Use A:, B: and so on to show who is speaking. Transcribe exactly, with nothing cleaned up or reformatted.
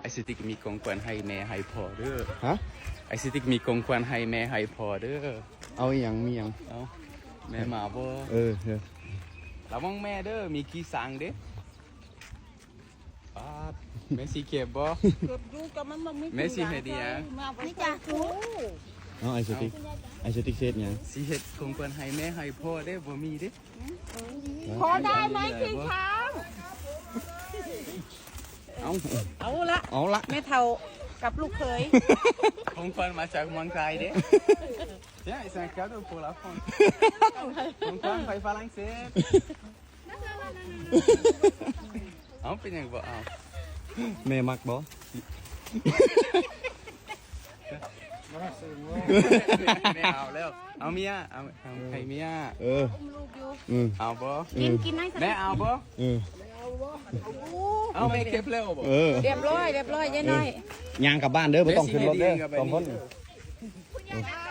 A: ไอซิติกมีของขวัญให้แม่ให้พ่อเด้อ
B: ฮะ
A: ไอซิติกมีของขวัญให้แม่ให้พ่อเด้อ
B: เอาอหย่างมีอหย่าง
A: เอาแม่มาบ่
B: เออเออ
A: ระวังแม่เด้อมีขี้สังเด้ปาดแม่สิเก็บบ่
C: เก็บอยู่กับมันมันไม่
A: แม่สิเฮ็ดอีหยัง
C: มาไปจ้าครู
B: เอาไอสติ๊กไอสติ๊กเซตหยัง
A: สิเฮ็ดของขวัญให้แม่ให้พ่อเด้อบ่มีเด้
C: ขอได้ไหมพี่ช้าง
B: เอา
C: เอาละ
B: เอาละ
C: แม่เท่ากับลูกเขย
A: ของขวัญมาจากเมืองไทยเด้ Tiens, c'est un cadeau pour la France.ของขวัญไปฝรั่งเศสเอาเป็นหยังบ่เอา
B: แม่มักบ่
A: ไม่เอาแล้วเอาเมียเอาเอาให้เมีย
B: เออ
C: ลูกอยู่
B: อืม
A: เอาบ่
C: กินกินให้ส
A: แม่เอาบ่
B: เออ
A: เอาแม่เก็บแล้วบ่
B: เออ
C: เรียบร้อยเรียบร้อยยายน้อย
B: ยางกลับบ้านเด้อไม่ต้องขึ้นรถเด้อสองคน
C: อ่า